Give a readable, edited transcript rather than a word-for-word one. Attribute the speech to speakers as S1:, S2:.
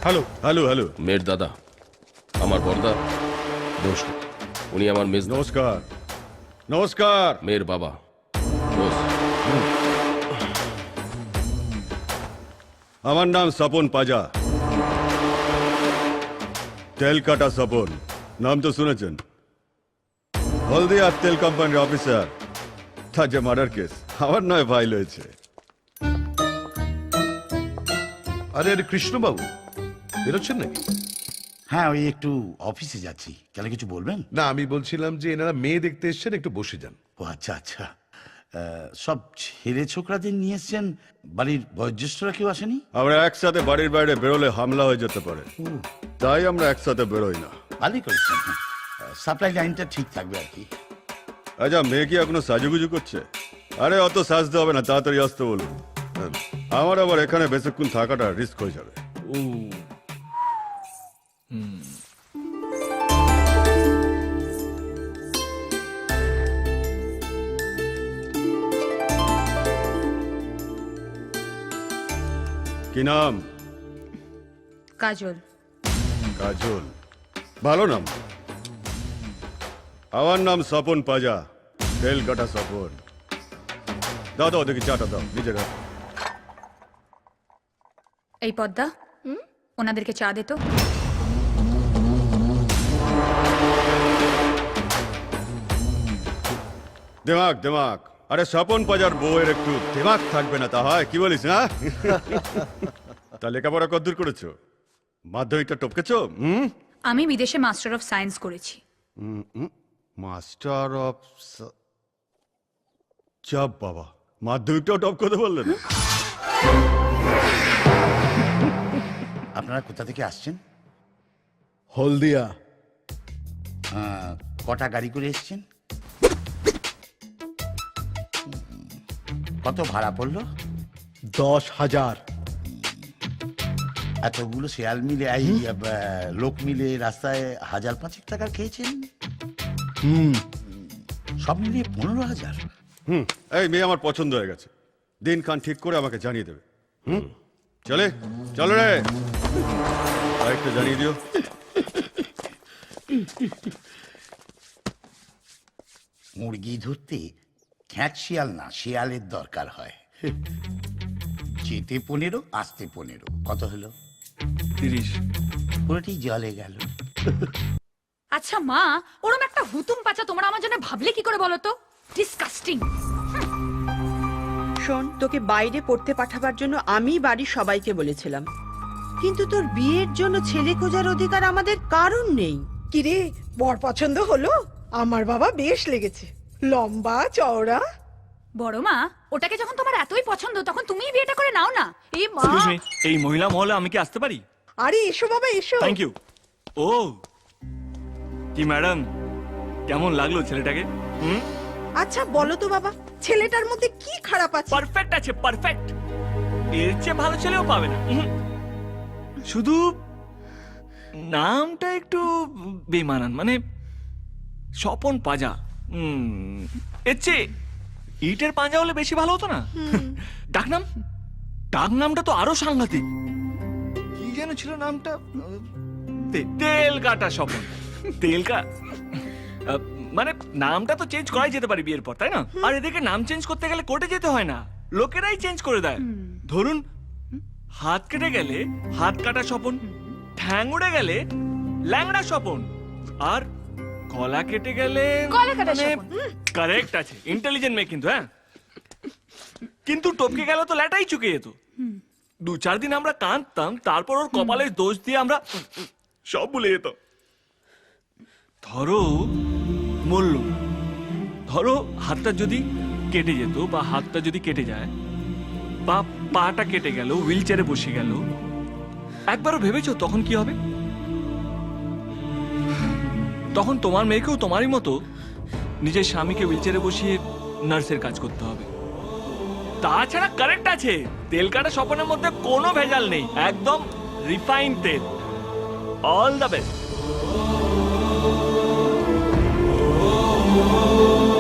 S1: Hello
S2: hello hello
S3: মেয়ের দাদা, আমার বর্দা দোষ। উনি আমার মেজ
S2: নমস্কার নমস্কার।
S3: মেয়ের বাবা দোষ।
S2: আমার নাম স্বপন পাজা, তেল কাটা স্বপন, নাম তো শুনেছেন। হলদিয়া তেল কোম্পানির অফিসার, তার যে মার্ডার কেস আমার নয় ফাইল হয়েছে।
S1: আরে আরে কৃষ্ণবাবু বেরোচ্ছেন নাকি?
S4: হ্যাঁ, ওই একটু অফিসে যাচ্ছি। কেন, কিছু বলবেন?
S1: না, আমি বলছিলাম যে এনারা মেয়ে দেখতে এসছেন, একটু বসে যান।
S4: ও আচ্ছা আচ্ছা। সব ছেলে ছোকরাদের নিয়ে এসছেন, বাড়ির বয়োজ্যেষ্ঠরা কেউ আসেনি?
S2: আমরা একসাথে বাড়ির বাইরে বেরোলে হামলা হয়ে যেতে পারে, তাই আমরা একসাথে বেরোই না।
S4: ভালোই করেছেন। সাপ্লাই লাইনটা ঠিক থাকবে আর কি।
S2: আচ্ছা, মেয়ে কি এখনো সাজুগুজু করছে? আরে অত সাজতে হবে না, তাড়াতাড়ি আসতে বলুন। আমার আবার এখানে বেশিক্ষণ থাকাটা রিস্ক হয়ে যাবে। কি নাম?
S5: কাজল।
S2: কাজল, ভালো নাম। আমার নাম স্বপন পাজা, তেল কাটা স্বপন। দাও দাও দেখি চাটা দাও, নিজের হাতে।
S5: এই পদ্মা, ওনাদেরকে চা দে তো।
S2: দিমাগ দিমাগ। আরে স্বপন পাজার বউয়ের একটু দিমাগ থাকবে না তা হয়? কি বলিস না? তা লেখাপড়া কদ্দূর করেছো? মাধ্যমিকটা টপকেছো?
S5: আমি বিদেশে মাস্টার অফ সায়েন্স করেছি।
S2: মাস্টার অফ চাপ বাবা, মাধ্যমিকটাও টপ করতে বললেন?
S4: আপনারা কোথা থেকে আসছেন?
S1: হলদিয়া।
S4: কটা গাড়ি করে এসছেন? কত ভাড়া পড়লো?
S1: 10,000।
S4: এতগুলো শেয়াল মিলে, এই লোক মিলে রাস্তায় 1,000-5,000 টাকা খেয়েছেন? সব মিলিয়ে 15,000।
S2: এই মেয়ে আমার পছন্দ হয়ে গেছে, দিন খান ঠিক করে আমাকে জানিয়ে দেবে। চলে চলো রে, আরেকটা জানিয়ে দিও।
S4: মুরগি ধরতে খ্যাট শিয়াল না, শিয়ালের দরকার হয়। যেতে 15, আসতে 15, কত হলো?
S6: 30।
S4: পুরোটি জলে গেল।
S5: আচ্ছা মা, ওরম একটা হুতুম পাচা তোমরা আমার জন্য ভাবলে কি করে বলো তো? ডিসকাস্টিং।
S7: শোন, তোকে বাইরে পড়তে পাঠাবার জন্য আমি বাড়ির সবাইকে বলেছিলাম, কিন্তু তোর বিয়ের জন্য ছেলে খোঁজার অধিকার আমাদের কারণ নেই।
S8: কিরে, বর পছন্দ হলো? আমার বাবা বেশ লেগেছে, লম্বা চওড়া।
S5: বড় মা, ওটাকে যখন তোমার এতই পছন্দ তখন তুমিই বিয়েটা করে নাও না। এই মা,
S6: এক্সকিউজ মি, এই মহিলা মহলে আমি কি আসতে পারি?
S8: আরে এসো বাবা এসো।
S6: Thank you. ও কি ম্যাডাম, কেমন লাগলো ছেলেটাকে?
S8: আচ্ছা বলো তো বাবা, ছেলেটার মধ্যে কি খারাপ আছে?
S6: পারফেক্ট আছে, পারফেক্ট। এর চেয়ে ভালো ছেলেও পাবে না। শুধু নামটা একটু বেমানান, মানে স্বপন পাজা। এর চেয়ে ইটের পাঁজা হলে বেশি ভালো হতো না? ডাকনাম, ডাকনামটা তো আরো সাংঘাতিক। কি যেন ছিল নামটা? তেল কাটা স্বপন। তেল মানে নামটা তো চেঞ্জ করাই যেতে পারে বিয়ের পর, তাই না? আর এদেরকে নাম চেঞ্জ করতে গেলে কোর্টে যেতে হয় না, লোকেরাই চেঞ্জ করে দেয়। ধরুন হাত কেটে গেলে হাত কাটা স্বপন, ঠ্যাং উড়ে গেলে ল্যাংড়া স্বপন, আর গলা কেটে গেলে
S5: গলা কাটা স্বপন।
S6: কারেক্ট আছে, ইন্টেলিজেন্ট মেয়ে কিন্তু। হ্যাঁ, কিন্তু টপকে গেল তো ল্যাটাই চুকে যেত। 2-4 দিন আমরা কাঁদতাম, তারপর ওর কপালের দোষ দিয়ে আমরা সব ভুলে যেতাম। ধরো মরল, ধরো হাতটা যদি কেটে যেত, বা হাতটা যদি কেটে যায়, বা পাটা কেটে গেল, হুইল চেয়ারে বসে গেল, একবারও ভেবেছো তখন কি হবে? তখন তোমার মেয়েকেও তোমারই মতো নিজের স্বামীকে হুইল চেয়ারে বসিয়ে নার্সের কাজ করতে হবে। তাছাড়া কারেক্ট আছে, তেল কাটা স্বপনের মধ্যে কোনো ভেজাল নেই, একদম রিফাইন তেল। All the best.